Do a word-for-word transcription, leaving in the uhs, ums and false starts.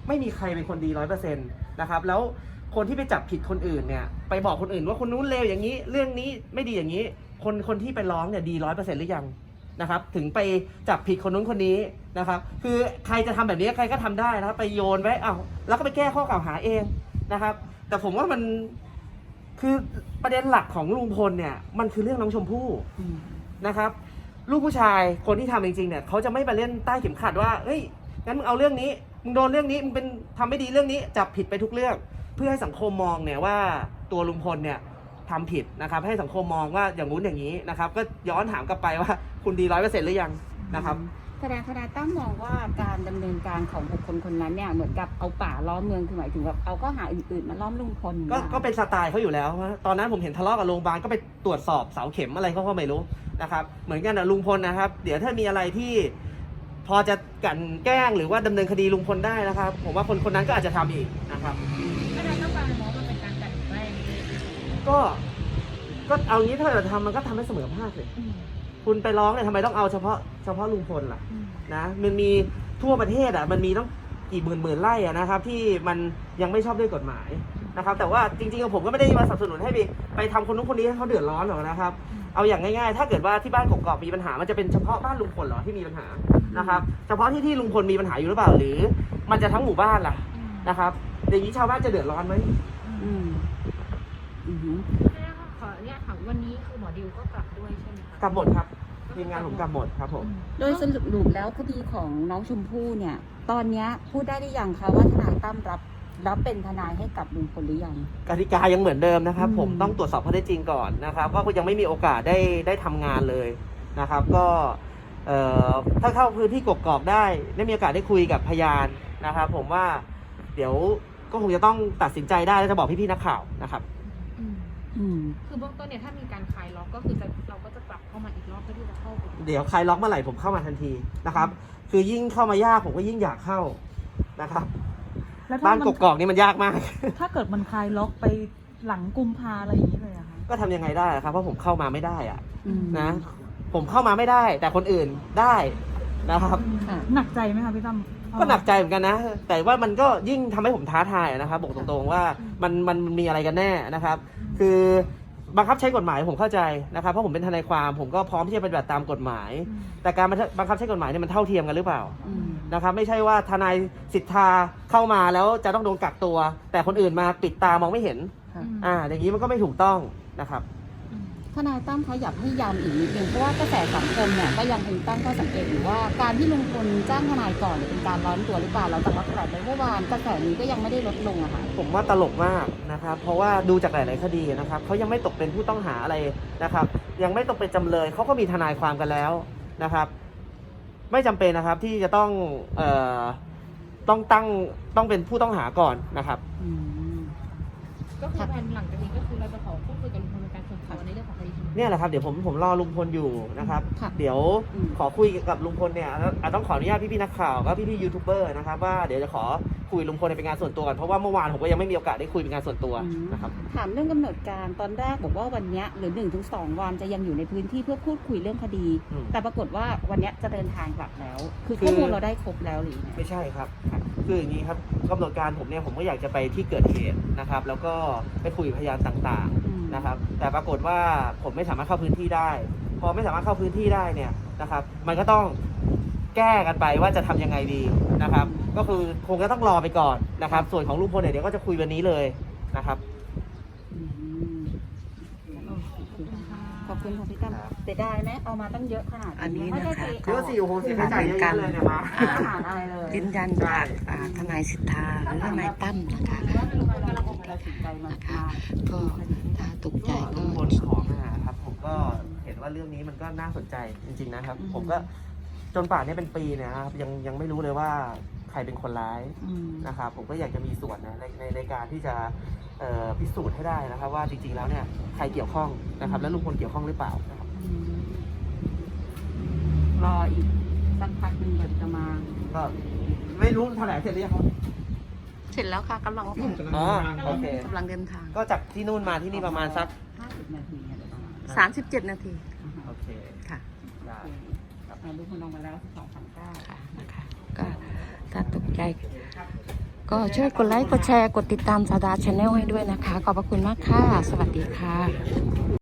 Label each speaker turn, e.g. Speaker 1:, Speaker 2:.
Speaker 1: ไม่มีใครเป็นคนดีร้อยเปอร์เซ็นต์นะครับแล้วคนที่ไปจับผิดคนอื่นเนี่ยไปบอกคนอื่นว่าคนนู้นเลวอย่างนี้เรื่องนี้ไม่ดีอย่างนี้คนคนที่ไปร้องเนี่ยดีร้อยเปอร์เซ็นต์หรือยังนะครับถึงไปจับผิดคนนู้นคนนี้นะครับคือใครจะทำแบบนี้ใครก็ทำได้นะครับไปโยนไว้อ้าวแล้วก็ไปแก้ข้อกล่าวหาเองนะครับแต่ผมว่ามันคือประเด็นหลักของลุงพลเนี่ยมันคือเรื่องน้องชมพู่นะครับลูกผู้ชายคนที่ทำจริงๆเนี่ยเขาจะไม่ไปเล่นใต้เข็มขัดว่าเฮ้ยงั้นมึงเอาเรื่องนี้มึงโดนเรื่องนี้มึงเป็นทำไม่ดีเรื่องนี้จับผิดไปทุกเรื่องเพื่อให้สังคมมองเนี่ยว่าตัวลุงพลเนี่ยทำผิดนะครับให้สังคมมองว่าอย่างงู้นอย่างนี้นะครับก็ย้อนถามกลับไปว่าคุณดีร้อยเปอร์เซ็นต์หรือยังนะครับ
Speaker 2: แสดงทนายตั้มมองว่าการดำเนินการของบุคคลคนนั้นเนี่ยเหมือนกับเอาป่าล้อมเมืองคือหมายถึงแบบเอาข้อหาอื่นๆมาล้อมลุงพล
Speaker 1: ก็ก็เป็นสไตล์เขาอยู่แล้วตอนนั้นผมเห็นทะเลาะกับโรงพยาบาลก็ไปตรวจสอบเสาเข็มอะไรเขาก็ไม่รู้นะครับเหมือนกันนะลุงพลนะครับเดี๋ยวถ้ามีอะไรที่พอจะกันแกล้งหรือว่าดำเนินคดีลุงพลได้นะครับผมว่าคนคนนั้นก็อาจจะทำอีกนะครับ
Speaker 3: ทนายตั้มมองว่ามันเป็นการกลั่นแกล้ง
Speaker 1: ก็ก็เอางี้ถ้าเราทำมันก็ทำให้เสมอภาคเลยคุณไปร้องเนี่ยทำไมต้องเอาเฉพาะเฉพาะลุงพลล่ะนะมันมีทั่วประเทศอ่ะมันมีต้องกี่หมื่นหมื่นไร่อ่ะนะครับที่มันยังไม่ชอบด้วยกฎหมายนะครับแต่ว่าจริงๆผมก็ไม่ได้มาสนับสนุนให้ไปไปทำคนนู้นคนนี้ให้เขาเดือดร้อนหรอกนะครับเอาอย่างง่ายๆถ้าเกิดว่าที่บ้านกกอกมีปัญหามันจะเป็นเฉพาะบ้านลุงพลเหรอที่มีปัญหานะครับเฉพาะที่ที่ลุงพลมีปัญหาอยู่หรือเปล่าหรือมันจะทั้งหมู่บ้านล่ะนะครับอย่างนี้ชาวบ้านจะเดือดร้อนไหม
Speaker 2: อืมอืม
Speaker 3: ขออนุญาตถามวันนี้คือหมอดิวก็กลับด้วยใช่ไหมคะ
Speaker 1: กลับหมดครับทีมงานผมกลับหมดครับผม
Speaker 2: โดยสรุปแล้วคดีของน้องชมพู่เนี่ยตอนนี้พูดได้หรือยังคะว่าทนายตั้มรับรับเป็นทนายให้กับลุงพลหรือยัง
Speaker 1: กติกายังเหมือนเดิมนะครับผมต้องตรวจสอบข้อเท็จจริงก่อนนะครับก็ยังไม่มีโอกาสได้ได้ทำงานเลยนะครับก็ถ้าเข้าพื้นที่กกอกได้ได้มีโอกาสได้คุยกับพยานนะครับผมว่าเดี๋ยวก็คงจะต้องตัดสินใจได้แล้วจะบอกพี่ๆนักข่าวนะครับ
Speaker 3: คือเบื้องต้นเนี่ยถ้ามีการคลายล็อกก็คือจะเราก็จะกลับเข้ามาอีกรอบเพื่อที่จะเข้าไป
Speaker 1: เดี๋ยวคลายล็อกเมื่อไหร่ผมเข้ามาทันทีนะครับคือยิ่งเข้ามายากผมก็ยิ่งอยากเข้านะครับบ้านกกอกนี่มันยากมาก
Speaker 4: ถ้าเกิดมันคลายล็อกไปหลังกุมภาอะไรอย่างนี้เลยอะคะ
Speaker 1: ก็ทำยังไงได้ครับเพราะผมเข้ามาไม่ได้อะนะผมเข้ามาไม่ได้แต่คนอื่นได้นะครับ
Speaker 4: หนักใจไหมคะพี่ตั้ม
Speaker 1: ก็หนักใจเหมือนกันนะแต่ว่ามันก็ยิ่งทำให้ผมท้าทายนะครับบอกตรงๆว่ามันมันมีอะไรกันแน่นะครับคือบังคับใช้กฎหมายผมเข้าใจนะครับเพราะผมเป็นทนายความผมก็พร้อมที่จะปฏิบัติตามกฎหมายแต่การบังคับใช้กฎหมายเนี่ยมันเท่าเทียมกันหรือเปล่านะครับไม่ใช่ว่าทนายสิทธาเข้ามาแล้วจะต้องโดนกักตัวแต่คนอื่นมาปิดตามองไม่เห็นอ่าอย่างนี้มันก็ไม่ถูกต้องนะครับ
Speaker 2: ทนายตั้มเขาอยากให้ย้ำอีกนิดนึงเพราะว่ากระแสสังคมเนี่ยก็ยังคงตั้งข้อสังเกตอยู่ว่าการที่ลุงพลจ้างทนายก่อนเป็นการร้อนตัวหรือเปล่าเราแต่ว่าขนาดในเมื่อวานกระแสนี้ก็ยังไม่ได้ลดลงอะค่ะ
Speaker 1: ผมว่าตลกมากนะครับเพราะว่าดูจากหลายๆคดีนะครับเขายังไม่ตกเป็นผู้ต้องหาอะไรนะครับยังไม่ตกเป็นจำเลยเขาก็มีทนายความกันแล้วนะครับไม่จำเป็นนะครับที่จะต้องเอ่อต้องตั้งต้องเป็นผู้ต้องหาก่อนนะครับ
Speaker 3: ก็คือแผนหลังจากนี้ก็คือเราจะขอพูดคุยกับลุงพลในการส่งตัวในเรื่องของคดี
Speaker 1: เนี่ยแหละครับเดี๋ยวผมผมรอลุงพลอยู่นะครับเดี๋ยวขอคุยกับลุงพลเนี่ยต้องขออนุญาตพี่ๆนักข่าวก็พี่ๆยูทูบเบอร์นะครับว่าเดี๋ยวจะขอคุยลุงพลเป็นงานส่วนตัวกันเพราะว่าเมื่อวานผมก็ยังไม่มีโอกาสได้คุยเป็นงานส่วนตัวนะครับ
Speaker 2: ถามเรื่องกำหนดการตอนแรกบอกว่าวันนี้หรือหนึ่งถึงสองวันจะยังอยู่ในพื้นที่เพื่อพูดคุยเรื่องคดีแต่ปรากฏว่าวันนี้จะเดินทางกลับแล้วคือข้อมูลเราได้ครบแล้วหรือ
Speaker 1: ไม่ใช่ครับคืออย่างนี้ครับกำหนดการผมเนี่ยผมก็อยากจะไปที่เกิดเหตุนะครับแล้วก็ไปคุยพยานต่างๆนะครับแต่ปรากฏว่าผมไม่สามารถเข้าพื้นที่ได้พอไม่สามารถเข้าพื้นที่ได้เนี่ยนะครับมันก็ต้องแก้กันไปว่าจะทำยังไงดีนะครับก็คือคงจะต้องรอไปก่อนนะครับส่วนของลุงพลเนี่ยเดี๋ยวก็จะคุยวันนี้เลยนะครับ
Speaker 2: ขอบคุณค่ะพี่ตั้มเสียดายไหมเอามาตั้งเยอะขนาด
Speaker 5: อันนี้นะคะ
Speaker 1: เยอะสิโอ้โหเสียใจเยอะเลยเนี่ยมา
Speaker 5: ยืนยันจากทนายสิทธาหรือทนายตั้มนะคะนะคะก็ถ้าตกใจก็
Speaker 1: ลุงพลขอมาครับผมก็เห็นว่าเรื่องนี้มันก็น่าสนใจจริงๆนะครับผมก็จนป่านนี้เป็นปีเนี่ยครับยังยังไม่รู้เลยว่าใครเป็นคนร้ายนะครับผมก็อยากจะมีส่วนนะในในในการที่จะพิสูจน์ให้ได้นะครับว่าจริงๆแล้วเนี่ยใครเกี่ยวข้องนะครับและลุงพลเกี่ยวข้องหรือเปล่านะครับ
Speaker 2: รออีกสักพักหนึ่งจะมา
Speaker 1: ก็ไม่รู้แถลงเสร็จหรือยังครับ
Speaker 5: เสร็จแล้วค่ะกำลัง
Speaker 1: อ๋อโอเค
Speaker 5: กำลังเดินทาง
Speaker 1: ก็จากที่นู่นมาที่นี่ประมาณสัก
Speaker 2: ห้าสิบนาที
Speaker 5: สามสิบเจ็ดนาที
Speaker 1: โอเค
Speaker 5: ค่ะ
Speaker 2: ดูคนลงมาแล้วสองพันเก้า
Speaker 5: ค่ะนะคะก็ถ้าตกใจก็ช่วยกดไลค์กดแชร์กดติดตามสาวดาชาแนลให้ด้วยนะคะขอบพระคุณมากค่ะสวัสดีค่ะ